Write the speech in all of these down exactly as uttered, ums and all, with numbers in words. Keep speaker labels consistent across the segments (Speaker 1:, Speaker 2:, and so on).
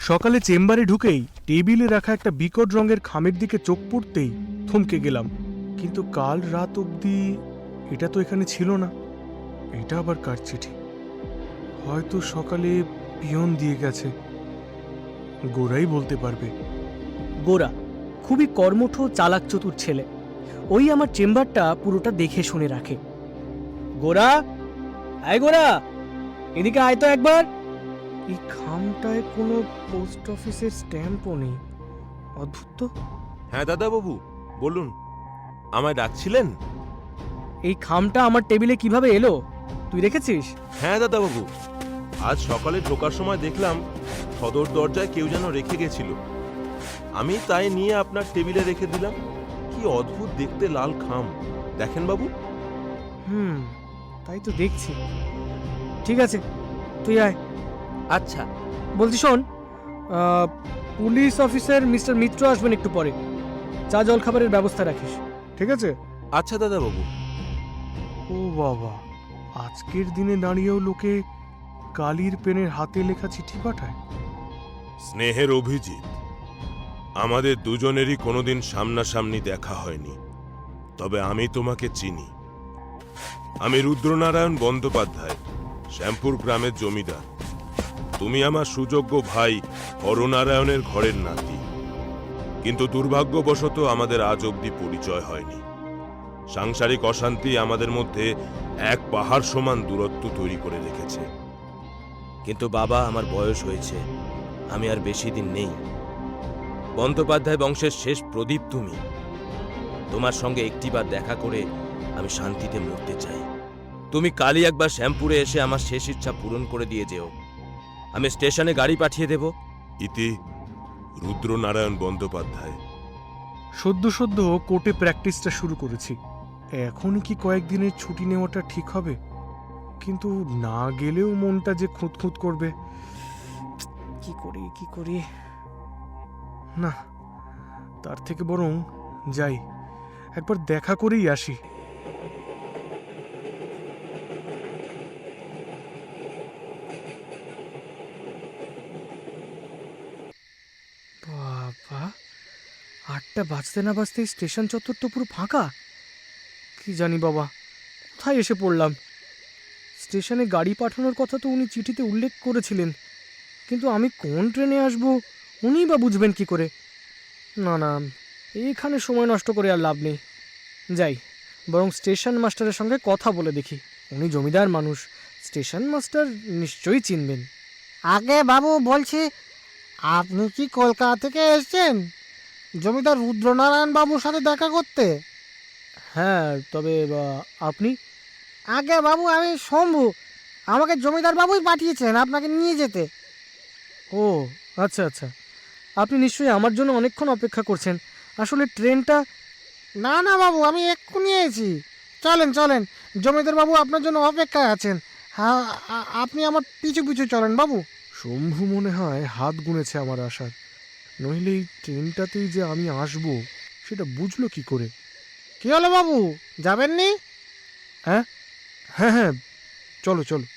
Speaker 1: সকালে চেম্বারে ঢুকেই টেবিলে রাখা একটা বিকট রঙের খামের দিকে চোখ পড়তেই থমকে গেলাম। কিন্তু কাল রাত অবধি এটা তো এখানে ছিল না। এটা আবার কার চিঠি? হয়তো সকালে পিয়ন দিয়ে গেছে। গোরাই বলতে পারবে।
Speaker 2: গোরা খুবই কর্মঠ চালাক চতুর ছেলে। ওই আমার চেম্বারটা পুরোটা দেখে শুনে রাখে। গোরা, আয় গোরা, এদিকে আয় তো একবার। এই খামটায় কোনো পোস্ট অফিসের স্ট্যাম্পও নেই। অদ্ভুত তো।
Speaker 3: হ্যাঁ দাদা বাবু, বলুন, আমায় ডাকছিলেন?
Speaker 2: এই খামটা আমার টেবিলে কিভাবে এলো তুই রেখেছিস?
Speaker 3: হ্যাঁ দাদা বাবু, আজ সকালে ঢোকার সময় দেখলাম সদর দরজায় কেউ যেন রেখে গেছিল। আমি তাই নিয়ে আপনার টেবিলে রেখে দিলাম। কি অদ্ভুত দেখতে লাল খাম, দেখেন বাবু।
Speaker 2: হুম, তাই তো দেখছি। ঠিক আছে, তুই আয়।
Speaker 3: আচ্ছা,
Speaker 2: বলছি শোন, আহ, পুলিশ অফিসার মিস্টার মিত্র আসবেন একটু পরে। চা জল খাবারের ব্যবস্থা রাখিস।
Speaker 1: ঠিক আছে?
Speaker 3: আচ্ছা দাদা বাবু।
Speaker 1: ও বাবা, আজকের দিনে দাঁড়িয়েও লোকে কালির পেনের হাতে লেখা চিঠি পাঠায়।
Speaker 3: স্নেহের অভিজিৎ, আমাদের দুজনেরই কোনোদিন সামনাসামনি দেখা হয়নি, তবে আমি তোমাকে চিনি। আমি রুদ্রনারায়ণ বন্দ্যোপাধ্যায়, শ্যামপুর গ্রামের জমিদার। তুমি আমার সুযোগ্য ভাই হরনারায়ণের ঘরের নাতি। কিন্তু দুর্ভাগ্যবশত আমাদের আজ অবধি পরিচয় হয়নি। সাংসারিক অশান্তি আমাদের মধ্যে এক পাহাড় সমান দূরত্ব তৈরি করে রেখেছে।
Speaker 4: কিন্তু বাবা, আমার বয়স হয়েছে, আমি আর বেশি দিন নেই। বন্দ্যোপাধ্যায় বংশের শেষ প্রদীপ তুমি। তোমার সঙ্গে একটিবার দেখা করে আমি শান্তিতে মরতে চাই। তুমি কালই একবার শ্যামপুরে এসে আমার শেষ ইচ্ছা পূরণ করে দিয়ে যেও। আমি স্টেশনে গাড়ি পাঠিয়ে দেব।
Speaker 3: ইতি রুদ্রনারায়ণ বন্দ্যোপাধ্যায়।
Speaker 1: সদ্য সদ্য কোর্টে প্র্যাকটিসটা শুরু করেছি। এখনই কি কয়েকদিনের ছুটি নেওয়াটা ঠিক হবে? কিন্তু না গেলেও মনটা যে খুঁতখুঁত করবে।
Speaker 2: কি করি কি করি?
Speaker 1: না, তার থেকে বরং যাই, একবার দেখা করেই আসি।
Speaker 2: বাবা, আটটা বাজতে না বাজতেই স্টেশন চত্বর তো পুরো ফাঁকা। কি জানি বাবা, কোথায় এসে পড়লাম? স্টেশনে গাড়ি পাঠানোর কথা তো উনি চিঠিতে উল্লেখ করেছিলেন, কিন্তু আমি কোন ট্রেনে আসব উনিই বা বুঝবেন কি করে? না না, এইখানে সময় নষ্ট করে আর লাভ নেই। যাই, বরং স্টেশন মাস্টারের সঙ্গে কথা বলে দেখি। উনি জমিদার মানুষ, স্টেশন মাস্টার নিশ্চয়ই চিনবেন।
Speaker 5: আগে বাবু, বলছি আপনি কি কলকাতা থেকে এসেছেন জমিদার রুদ্রনারায়ণ বাবুর সাথে দেখা করতে?
Speaker 2: হ্যাঁ, তবে বা, আপনি?
Speaker 5: আগে বাবু, আমি শম্ভু। আমাকে জমিদার বাবুই পাঠিয়েছেন আপনাকে নিয়ে যেতে।
Speaker 2: ও আচ্ছা আচ্ছা, আপনি নিশ্চয়ই আমার জন্য অনেকক্ষণ অপেক্ষা করছেন। আসলে ট্রেনটা...
Speaker 5: না না বাবু, আমি এক্ষুনি এসেছি। চলেন চলেন, জমিদার বাবু আপনার জন্য অপেক্ষায় আছেন। হ্যাঁ, আ- আপনি আমার পিছু পিছু চলেন বাবু।
Speaker 1: শম্ভু মনে হয় হাত গুনেছে আমার আসার, নইলে এই ট্রেনটাতেই যে আমি আসবো সেটা বুঝলো কি করে?
Speaker 5: কি হলো বাবু, যাবেননি?
Speaker 1: হ্যাঁ হ্যাঁ হ্যাঁ, চলো চলো।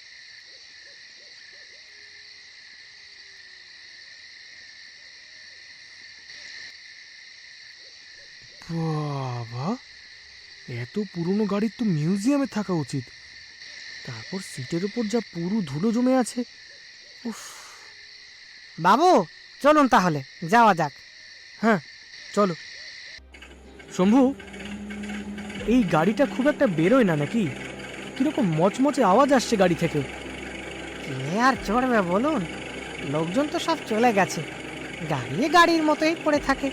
Speaker 1: বাবা, এত পুরনো গাড়ির তো মিউজিয়ামে থাকা উচিত।
Speaker 2: তারপর সিটের উপর যা পুরু ধুলো জমে আছে। উফ।
Speaker 5: বাবু চলুন তাহলে যাওয়া যাক।
Speaker 2: হ্যাঁ চলো। শম্ভু, এই গাড়িটা খুব একটা বেরোয় না নাকি? কিরকম মচমচে আওয়াজ আসছে গাড়ি থেকে।
Speaker 5: কে আর চড়বে বলুন, লোকজন তো সব চলে গেছে, গাড়ি গাড়ির মতোই পড়ে থাকে।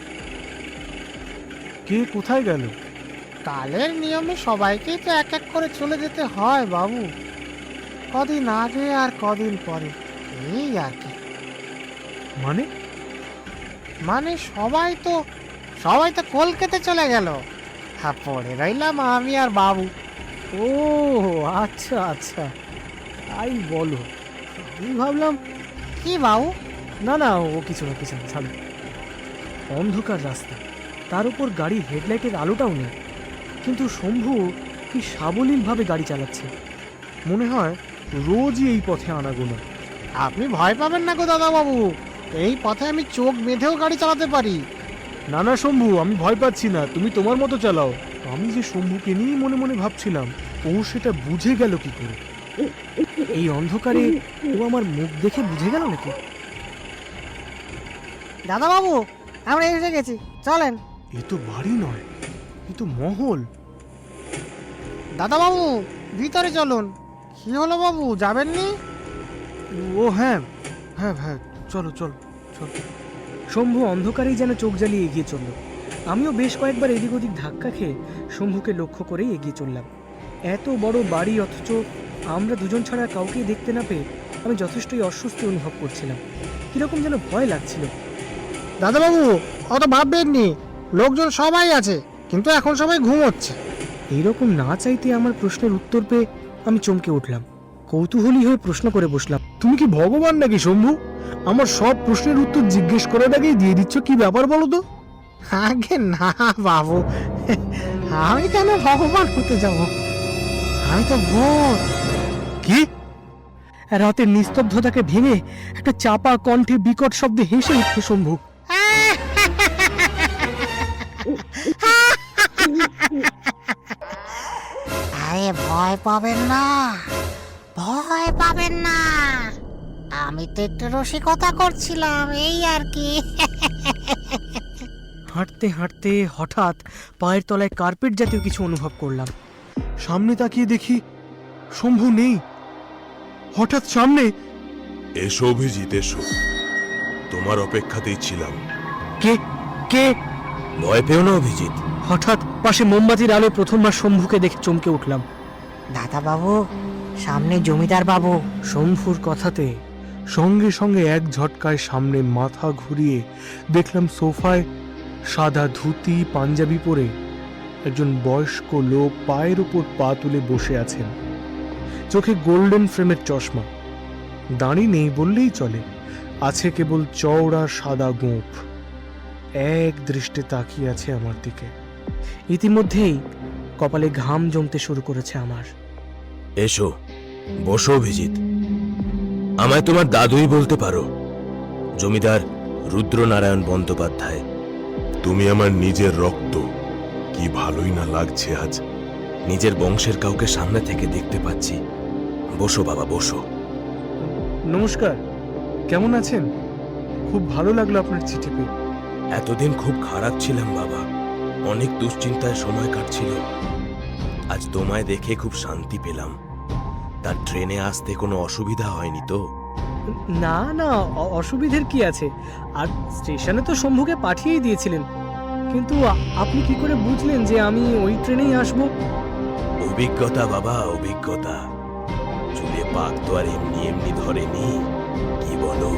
Speaker 1: কে কোথায় গেল?
Speaker 5: কালের নিয়মে সবাইকেই তো এক এক করে চলে যেতে হয় বাবু, কদিন আগে আর কদিন পরে, এই আর কি।
Speaker 1: মানে?
Speaker 5: মানে সবাই তো সবাই তো কলকাতা চলে গেল, হ্যাঁ, পড়ে রইলাম আমি আর বাবু।
Speaker 2: ও আচ্ছা আচ্ছা, তাই বলো। আমি ভাবলাম...
Speaker 5: কি বাবু?
Speaker 2: না না, ও কিছু না কিছু না, ছাড়ো। অন্ধকার রাস্তা, তার উপর গাড়ির হেডলাইটের আলোটাও নেই, কিন্তু শম্ভু কি সাবলীলভাবে গাড়ি চালাচ্ছে।
Speaker 1: মনে হয় রোজই এই পথে আনাগোনা।
Speaker 5: আপনি ভয় পাবেন না গো দাদা বাবু, এই পথে আমি চোখ বেঁধেও গাড়ি চালাতে পারি।
Speaker 1: না না শম্ভু, আমি ভয় পাচ্ছি না, তুমি তোমার মতো চালাও। আমি যে শম্ভুকে নিয়েই মনে মনে ভাবছিলাম, ও সেটা বুঝে গেল কি করে?
Speaker 2: এই অন্ধকারে ও আমার মুখ দেখে বুঝে গেল নাকি?
Speaker 5: দাদাবাবু, আমরা এসে গেছি, চলেন।
Speaker 1: এ তো বাড়ি নয়, এ তো মহল।
Speaker 5: দাদাবাবু, ভিতরে চলুন। কি হলো বাবু, যাবেননি?
Speaker 1: ও হ্যাঁ হ্যাঁ হ্যাঁ, চলো চলো চলো।
Speaker 2: শম্ভু অন্ধকারেই যেন চোখ জ্বালিয়ে এগিয়ে চলল। আমিও বেশ কয়েকবার এদিক ওদিক ধাক্কা খেয়ে শম্ভুকে লক্ষ্য করেই এগিয়ে চললাম। এত বড় বাড়ি, অথচ আমরা দুজন ছাড়া কাউকেই দেখতে না পেয়ে আমি যথেষ্টই অস্বস্তি অনুভব করছিলাম। কিরকম যেন ভয় লাগছিল।
Speaker 5: দাদাবাবু, অত ভাববেননি, লোকজন সবাই আছে, কিন্তু এখন সবাই ঘুমোচ্ছে।
Speaker 2: এইরকম না চাইতে আমার প্রশ্নের উত্তর পেয়ে আমি চমকে উঠলাম। কৌতূহলী হয়ে প্রশ্ন করে বসলাম,
Speaker 1: তুমি কি ভগবান নাকি শম্ভু? আমার সব প্রশ্নের উত্তর জিজ্ঞেস করার আগেই দিয়ে দিচ্ছ, কি ব্যাপার বলো তো?
Speaker 5: আগে না বাবু, আমি কেন ভগবান হতে যাব? আমি তো ভূত।
Speaker 1: কি?
Speaker 2: রাতের নিস্তব্ধতাকে ভেঙে একটা চাপা কণ্ঠে বিকট শব্দে হেসে উঠল শম্ভু।
Speaker 6: আরে ভয় পাবেন না, ভয় পাবেন না, আমি তো একটু রসিকতা করছিলাম, এই আর কি।
Speaker 2: হাঁটতে হাঁটতে হঠাৎ পায়ের তলায় কার্পেট জাতীয় কিছু অনুভব করলাম।
Speaker 1: সামনে তাকিয়ে দেখি শম্ভু নেই। হঠাৎ সামনে
Speaker 3: এসো অভিজিৎ, এসো। তোমার অপেক্ষাতেই ছিলাম।
Speaker 2: কে কে
Speaker 4: ভয় পেও না অভিজিৎ।
Speaker 2: হঠাৎ পাশে মোমবাতির আলো প্রথমবার শম্ভুকে দেখে চমকে উঠলাম।
Speaker 6: দাদাবাবু, সামনে জমিদার বাবু।
Speaker 2: শম্ভুর কথাতে
Speaker 1: সঙ্গে সঙ্গে এক ঝটকায় সামনে মাথা ঘুরিয়ে দেখলাম সোফায় সাদা ধুতি পাঞ্জাবি পরে একজন বয়স্ক লোক পায়ের উপর পা তুলে বসে আছেন। চোখে গোল্ডেন ফ্রেমের চশমা, দাড়ি নেই বললেই চলে, আছে কেবল চওড়া সাদা গোঁফ। এক দৃষ্টে তাকিয়ে আছে আমার দিকে।
Speaker 2: ইতিমধ্যেই কপালে ঘাম জমতে শুরু করেছে আমার।
Speaker 4: এসো, বসো অভিজিৎ। আমায় তোমার দাদুই বলতে পারো, জমিদার রুদ্রনারায়ণ বন্দ্যোপাধ্যায়।
Speaker 3: তুমি আমার নিজের রক্ত, কি ভালোই না লাগছে আজ।
Speaker 4: নিজের বংশের কাউকে সামনে থেকে দেখতে পাচ্ছি। বসো বাবা, বসো।
Speaker 1: নমস্কার, কেমন আছেন? খুব ভালো লাগলো আপনার চিঠি পেয়ে।
Speaker 4: এতদিন খুব খারাপ ছিলাম বাবা, অনেক দুশ্চিন্তায় সময় কাটছিল। আজ তোমায় দেখে খুব শান্তি পেলাম। তার ট্রেনে আসতে কোনো অসুবিধা হয়নি তো?
Speaker 2: না না, অ- অসুবিধের কি আছে? আর স্টেশনে তো শম্ভুকে পাঠিয়েই দিয়েছিলেন। কিন্তু আ- আপনি কি করে বুঝলেন যে আমি ওই ট্রেনেই আসব?
Speaker 4: অভিজ্ঞতা বাবা, অভিজ্ঞতা। চুলে পাক তো আর এমনি এমনি ধরেনি, কি বলো?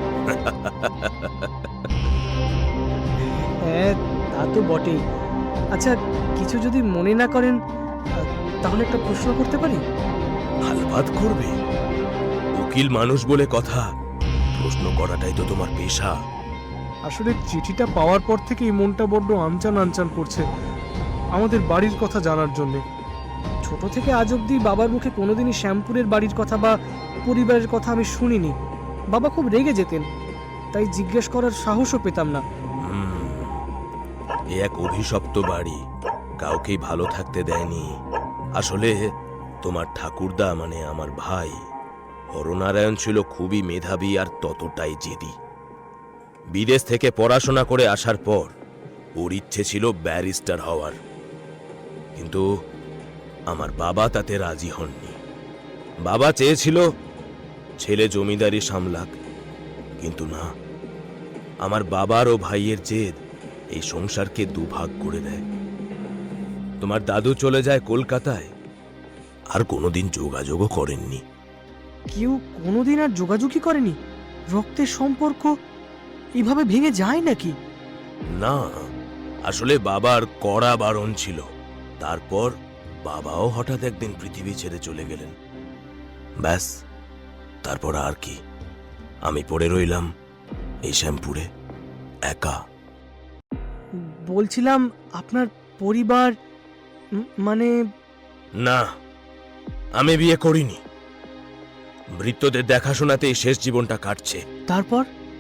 Speaker 2: হ্যাঁ, তা তো বটেই। আচ্ছা, কিছু যদি মনে না করেন, আ, তাহলে একটা প্রশ্ন করতে পারি?
Speaker 4: আলবাত করবে, উকিল মানুষ বলে কথা, প্রশ্ন করাটাই তো তোমার পেশা।
Speaker 1: আসলে চিঠিটা পাওয়ার পর থেকেই মনটা বড্ড আনচান আনচান করছে আমাদের বাড়ির কথা জানার জন্যে।
Speaker 2: ছোট থেকে আজ অব্দি বাবার মুখে কোনোদিনই শ্যামপুরের বাড়ির কথা বা পরিবারের কথা আমি শুনিনি। বাবা খুব রেগে যেতেন, তাই জিজ্ঞেস করার সাহসও পেতাম না।
Speaker 4: হুম, এ এক অভিশপ্ত বাড়ি, কাউকেই ভালো থাকতে দেয়নি। আসলে তোমার ঠাকুরদা মানে আমার ভাই হরনারায়ণ ছিল খুবই মেধাবী আর ততটাই জেদি। বিদেশ থেকে পড়াশোনা করে আসার পর ওর ইচ্ছে ছিল ব্যারিস্টার হওয়ার, কিন্তু আমার বাবা তাতে রাজি হননি। বাবা চেয়েছিল ছেলে জমিদারি সামলাক, কিন্তু না, আমার বাবার ও ভাইয়ের জেদ এই সংসারকে দুভাগ করে দেয়। তোমার দাদু চলে যায় কলকাতায়, আর কোনোদিন যোগাযোগও করেননি।
Speaker 2: কেউ কোনোদিন আর যোগাযোগই করেনি? রক্তের সম্পর্ক এভাবে ভেঙে যায় নাকি?
Speaker 4: না, আসলে বাবার কড়া বারণ ছিল। তারপর বাবাও হঠাৎ একদিন পৃথিবী ছেড়ে চলে গেলেন। ব্যাস, তারপর আর কি, আমি পড়ে রইলাম এই শ্যামপুরে একা।
Speaker 2: বলছিলাম, আপনার পরিবার উম, মানে
Speaker 4: না, আমি বিয়ে করিনি। বৃত্তদের দেখাশোনাতেই শেষ জীবনটা কাটছে।
Speaker 2: তারপর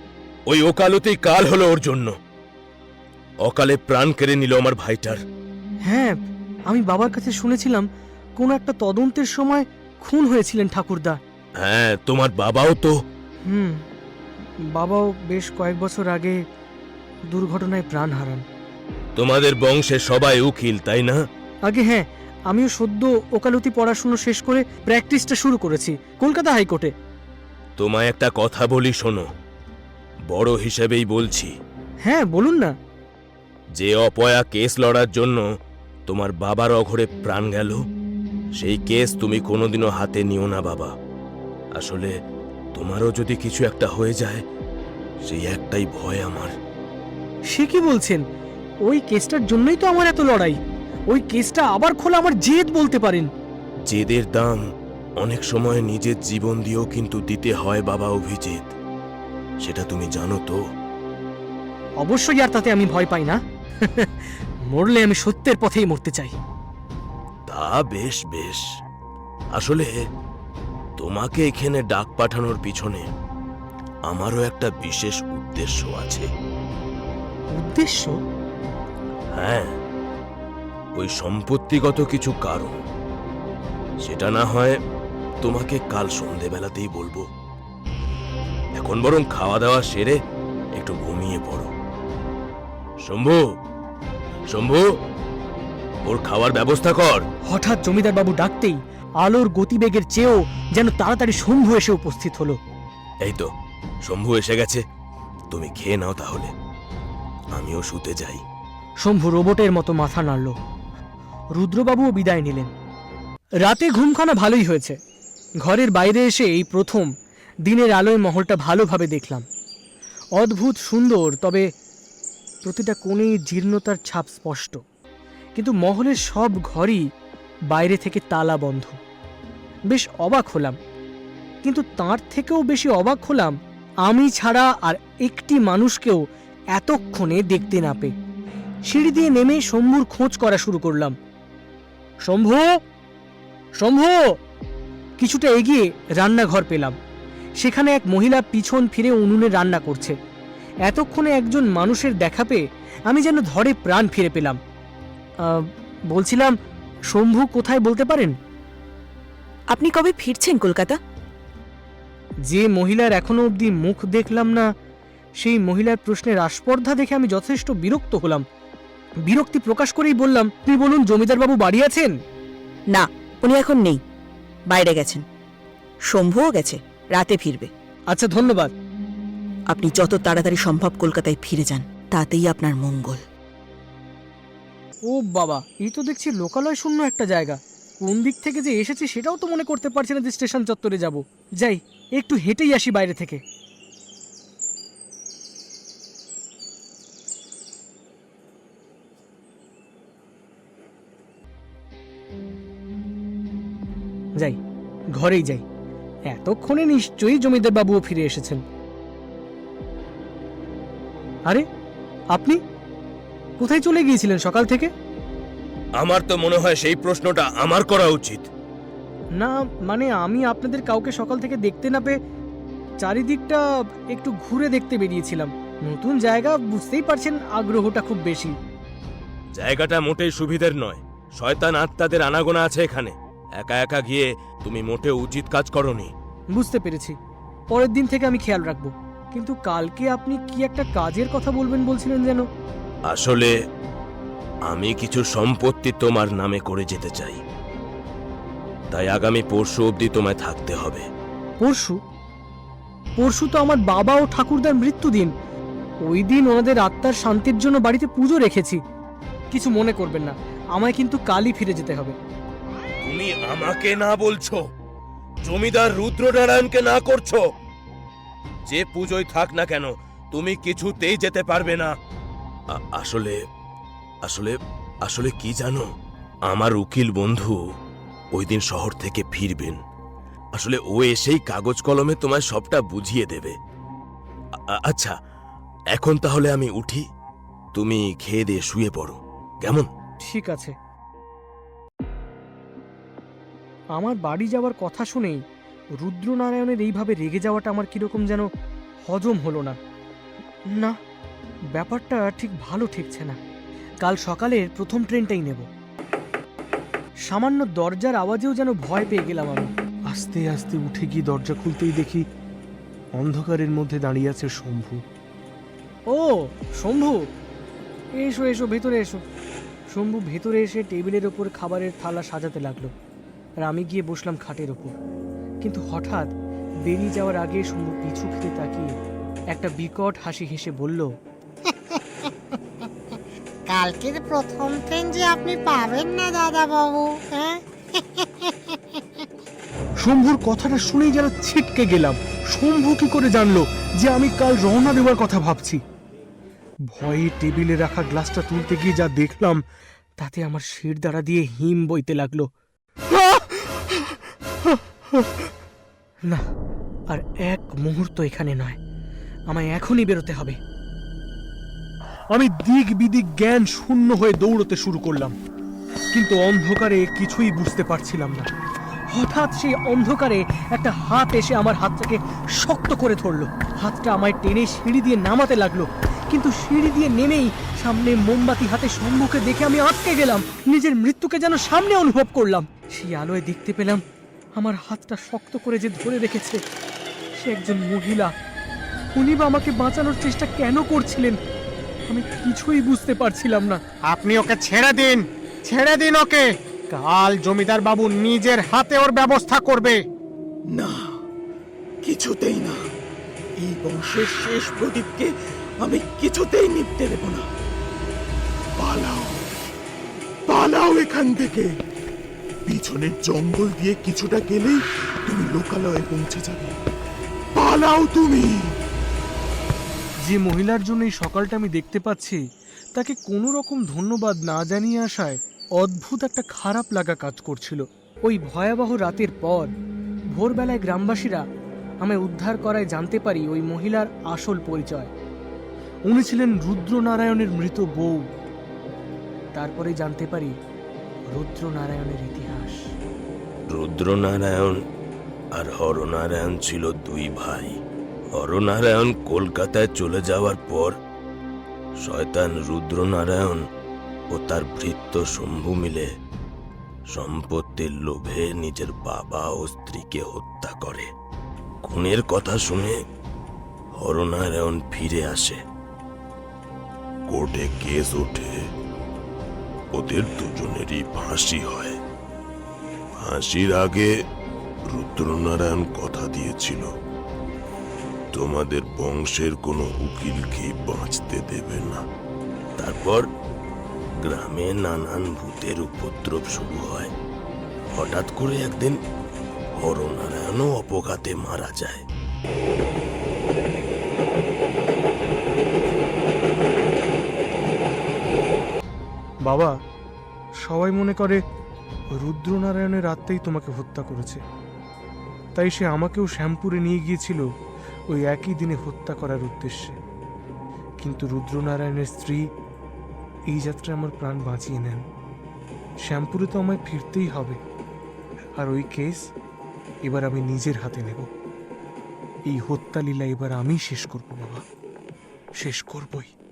Speaker 4: ওই ওকালতি কাল হলো ওর জন্য। অকালে প্রাণ কেড়ে নিল আমার ভাইটার।
Speaker 2: হ্যাঁ, আমি বাবার কাছে শুনেছিলাম কোন একটা তদন্তের সময় খুন হয়েছিলেন ঠাকুরদা।
Speaker 4: হ্যাঁ, তোমার বাবাও তো।
Speaker 2: হুম, বাবাও বেশ কয়েক বছর আগে দুর্ঘটনায় প্রাণ হারান।
Speaker 4: তোমাদের বংশে সবাই উকিল, তাই না?
Speaker 2: আগে হ্যাঁ, আমিও সদ্য ওকালতি পড়াশুনো শেষ করে প্র্যাকটিসটা শুরু করেছি কলকাতা হাইকোর্টে।
Speaker 4: তোমায় একটা কথা বলি, শোনো। বড় হিসেবেই বলছি।
Speaker 2: হ্যাঁ, বলুন না।
Speaker 4: যে অপয়া কেস লড়ার জন্য তোমার বাবার অঘরে প্রাণ গেল, সেই কেস তুমি কোনোদিনও হাতে নিও না বাবা। আসলে তোমারও যদি কিছু একটা হয়ে যায়, সেই একটাই ভয় আমার।
Speaker 2: সে কি বলছেন? ওই কেসটার জন্যই তো আমার এত লড়াই। ওই কেসটা আবার খোলা আমার জেদ বলতে পারেন।
Speaker 4: জেদের দাম অনেক সময় নিজের জীবন দিয়েও কিন্তু দিতে হয় বাবা অভিজিৎ, সেটা তুমি জানো তো?
Speaker 2: অবশ্যই, আর তাতে আমি ভয় পাই না। মরলে আমি সত্যের পথেই মরতে চাই।
Speaker 4: তা বেশ বেশ। আসলে তোমাকে এখানে ডাক পাঠানোর পিছনে আমারও একটা বিশেষ উদ্দেশ্য আছে।
Speaker 2: উদ্দেশ্য?
Speaker 4: হ্যাঁ, ওই সম্পত্তিগত কিছু কারণ। সেটা না হয় তোমাকে কাল সন্ধেবেলাতেই বলবো। এখন বরং খাওয়া দাওয়া সেরে একটু ঘুমিয়ে পড়ো। শম্ভু, শম্ভু, ওর খাওয়ার ব্যবস্থা কর।
Speaker 2: হঠাৎ জমিদার বাবু ডাকতেই আলোর গতিবেগের চেয়েও যেন তাড়াতাড়ি শম্ভু এসে উপস্থিত হলো।
Speaker 4: এই তো শম্ভু এসে গেছে, তুমি খেয়ে নাও তাহলে, আমিও শুতে যাই।
Speaker 2: শম্ভু রোবটের মতো মাথা নাড়ল। রুদ্রবাবুও বিদায় নিলেন। রাতে ঘুমখানা ভালোই হয়েছে। ঘরের বাইরে এসে এই প্রথম দিনের আলোয় মহলটা ভালোভাবে দেখলাম। অদ্ভুত সুন্দর, তবে প্রতিটা কোণেই জীর্ণতার ছাপ স্পষ্ট। কিন্তু মহলের সব ঘরই বাইরে থেকে তালা বন্ধ। বেশ অবাক হলাম, কিন্তু তার থেকেও বেশি অবাক হলাম আমি ছাড়া আর একটি মানুষকেও এতক্ষণে দেখতে না পেয়ে। সিঁড়ি দিয়ে নেমে শম্ভুর খোঁজ করা শুরু করলাম। শম্ভু, শম্ভু! কিছুটা এগিয়ে রান্নাঘর পেলাম। সেখানে এক মহিলা পিছন ফিরে উনুনে রান্না করছে। এতক্ষণে একজন মানুষের দেখা পেয়ে আমি যেন ধরে প্রাণ ফিরে পেলাম। আহ, বলছিলাম, শম্ভু কোথায় বলতে পারেন?
Speaker 7: আপনি কবে ফিরছেন কলকাতা?
Speaker 2: যে মহিলার এখনো অবধি মুখ দেখলাম না, সেই মহিলার প্রশ্নের আস্পর্ধা দেখে আমি যথেষ্ট বিরক্ত হলাম। বিরক্তি প্রকাশ করেই বললাম, আপনি বলুন, জমিদারবাবু বাড়ি আছেন?
Speaker 7: না, উনি এখন নেই, বাইরে গেছেন। শম্ভুও গেছে, রাতে ফিরবে।
Speaker 2: আচ্ছা, ধন্যবাদ।
Speaker 7: আপনি যত তাড়াতাড়ি সম্ভব কলকাতায় ফিরে যান, তাতেই আপনার মঙ্গল।
Speaker 2: ও বাবা, এই তো দেখছি লোকালয় শূন্য একটা জায়গা। কোন দিক থেকে যে এসেছি সেটাও তো মনে করতে পারছি না যে স্টেশন চত্বরে যাব। যাই, একটু হেঁটেই আসি বাইরে থেকে। যাই, ঘরেই যাই। এতক্ষণে নিশ্চয়ই জমিদার বাবুও ফিরে এসেছেন। আরে, আপনি কোথায় চলে গিয়েছিলেন সকাল থেকে?
Speaker 4: আমার তো মনে হয় সেই প্রশ্নটা আমার করা উচিত।
Speaker 2: না, মানে আমি আপনাদের কাউকে সকাল থেকে দেখতে না পেয়ে চারিদিকটা একটু ঘুরে দেখতে বেরিয়েছিলাম। নতুন জায়গা, বুঝতেই পারছেন, আগ্রহটা খুব বেশি।
Speaker 4: জায়গাটা মোটেই সুবিধের নয়। শয়তান আত্মাদের আনাগোনা আছে এখানে। একা একা গিয়ে তুমি মোটেও উচিত কাজ করনি।
Speaker 2: বুঝতে পেরেছি, পরের দিন থেকে আমি খেয়াল রাখবো। কিন্তু কালকে আপনি কি একটা কাজের কথা বলবেন বলছিলেন যেন?
Speaker 4: আসলে আমি কিছু সম্পত্তি তোমার নামে করে যেতে চাই, তাই আগামী পরশু অবধি তোমায় থাকতে হবে।
Speaker 2: পরশু? পরশু তো আমার বাবা ও ঠাকুরদার মৃত্যুদিন। ওই দিন ওনাদের আত্মার শান্তির জন্য বাড়িতে পুজো রেখেছি। কিছু মনে করবেন না, আমায় কিন্তু কালই ফিরে যেতে হবে।
Speaker 4: তুমি আমাকে না বলছো, জমিদার রুদ্রনারায়ণকে না করছো? যে পুজোয় থাক না কেন, তুমি কিছুতেই যেতে পারবে না। আ- আসলে আসলে আসলে কি জানো, আমার উকিল বন্ধু ওই দিন শহর থেকে ফিরবেন। আসলে ও এসেই কাগজ কলমে তোমায় সবটা বুঝিয়ে দেবে। আ- আচ্ছা, এখন তাহলে আমি উঠি, তুমি খেয়ে দিয়ে শুয়ে পড়ো, কেমন?
Speaker 2: ঠিক আছে। আমার বাড়ি যাওয়ার কথা শুনেই রুদ্রনারায়ণের এইভাবে রেগে যাওয়াটা আমার কিরকম যেন হজম হলো না। না, ব্যাপারটা ঠিক ভালো ঠেকছে না। কাল সকালের প্রথম ট্রেনটাই নেব। সামান্য দরজার আওয়াজেও যেন ভয় পেয়ে গেলাম আমি।
Speaker 1: আস্তে আস্তে উঠে গিয়ে দরজা খুলতেই দেখি অন্ধকারের মধ্যে দাঁড়িয়ে আছে শম্ভু।
Speaker 2: ও শম্ভু, এসো এসো, ভেতরে এসো। শম্ভু ভেতরে এসে টেবিলের ওপর খাবারের থালা সাজাতে লাগলো, আর আমি গিয়ে বসলাম খাটের ওপর। কিন্তু হঠাৎ বেরিয়ে যাওয়ার আগে শম্ভু পিছু ফিরে তাকিয়ে একটা বিকট হাসি হেসে বলল,
Speaker 6: কালকের প্রথম ট্রেন যে আপনি পাবেন না দাদা বাবু, হ্যাঁ?
Speaker 1: শম্ভুর কথাটা শুনেই যেন ছিটকে গেলাম। শম্ভু কি করে জানলো যে আমি কাল রওনা দেওয়ার কথা ভাবছি? ভয়ে টেবিলে রাখা গ্লাসটা তুলতে গিয়ে যা দেখলাম
Speaker 2: তাতে আমার শির দ্বারা দিয়ে হিম বইতে লাগলো। না, আর এক মুহূর্ত এখানে নয়, আমায় এখনই বেরোতে হবে।
Speaker 1: আমি দিক বিদিক জ্ঞান শূন্য হয়ে দৌড়তে শুরু করলাম, কিন্তু অন্ধকারে কিছুই বুঝতে পারছিলাম না।
Speaker 2: হঠাৎ সেই অন্ধকারে একটা হাত এসে আমার হাতটাকে শক্ত করে ধরলো। হাতটা আমায় টেনে সিঁড়ি দিয়ে নামাতে লাগলো, কিন্তু সিঁড়ি দিয়ে নেমেই সামনে মোমবাতি হাতে শম্ভুকে দেখে আমি আটকে গেলাম। নিজের মৃত্যুকে যেন সামনে অনুভব করলাম। সেই আলোয় দেখতে পেলাম আমার হাতটা শক্ত করে যে ধরে রেখেছে সে একজন মহিলা। উনি বা আমাকে বাঁচানোর চেষ্টা কেন করছিলেন আমি কিছুই বুঝতে পারছিলাম না।
Speaker 5: আপনি ওকে ছেড়ে দিন, ছেড়ে দিন ওকে। কাল জমিদার বাবু নিজের হাতে ওর ব্যবস্থা করবে।
Speaker 8: না, কিছুতেই না। এই বংশের শেষ প্রদীপকে আমি কিছুতেই নিভতে দেব না। পালাও, পালাও এখান থেকে। পিছনের জঙ্গল দিয়ে কিছুটা গেলেই তুমি লোকালয়ে পৌঁছে যাবে। পালাও তুমি।
Speaker 1: যে মহিলার জন্য এই সকালটা আমি দেখতে পাচ্ছি তাকে কোনো রকম ধন্যবাদ না জানিয়ে আসায় অদ্ভুত একটা খারাপ লাগা কাজ করছিল।
Speaker 2: ওই ভয়াবহ রাতের পর ভোরবেলায় গ্রামবাসীরা আমায় উদ্ধার করায় জানতে পারি ওই মহিলার আসল পরিচয়।
Speaker 1: উনি ছিলেন রুদ্রনারায়ণের মৃত বউ।
Speaker 2: তারপরে জানতে পারি রুদ্রনারায়ণের ইতিহাস।
Speaker 4: রুদ্রনারায়ণ আর হরনারায়ণ ছিল দুই ভাই। হরনারায়ণ কলকাতায় চলে যাওয়ার পর শয়তান রুদ্রনারায়ণ ও তার ভৃত্য শম্ভু মিলে সম্পত্তির লোভে নিজের বাবা ও স্ত্রীকে হত্যা করে। খুনের কথা শুনে হরনারায়ণ ফিরে আসে।
Speaker 3: কোর্টে কেস ওঠে, ওদের দুজনেরই ফাঁসি হয়। ফাঁসির আগে রুদ্রনারায়ণ কথা দিয়েছিল তোমাদের বংশের কোনো উকিলকে বাঁচতে দেবে না।
Speaker 4: তারপর গ্রামে নানান ভূতের উপদ্রব শুরু হয়। হঠাৎ করে একদিন হরনারায়ণও অপঘাতে মারা যায়।
Speaker 1: বাবা, সবাই মনে করে রুদ্রনারায়ণের আত্মাই তোমাকে হত্যা করেছে, তাই সে আমাকেও শ্যামপুরে নিয়ে গিয়েছিল ওই একই দিনে হত্যা করার উদ্দেশ্যে। কিন্তু রুদ্রনারায়ণের স্ত্রী এই যাত্রায় আমার প্রাণ বাঁচিয়ে নেন। শ্যামপুরে তো আমায় ফিরতেই হবে, আর ওই কেস এবার আমি নিজের হাতে নেব। এই হত্যা লীলা এবার আমি শেষ করব বাবা, শেষ করবই।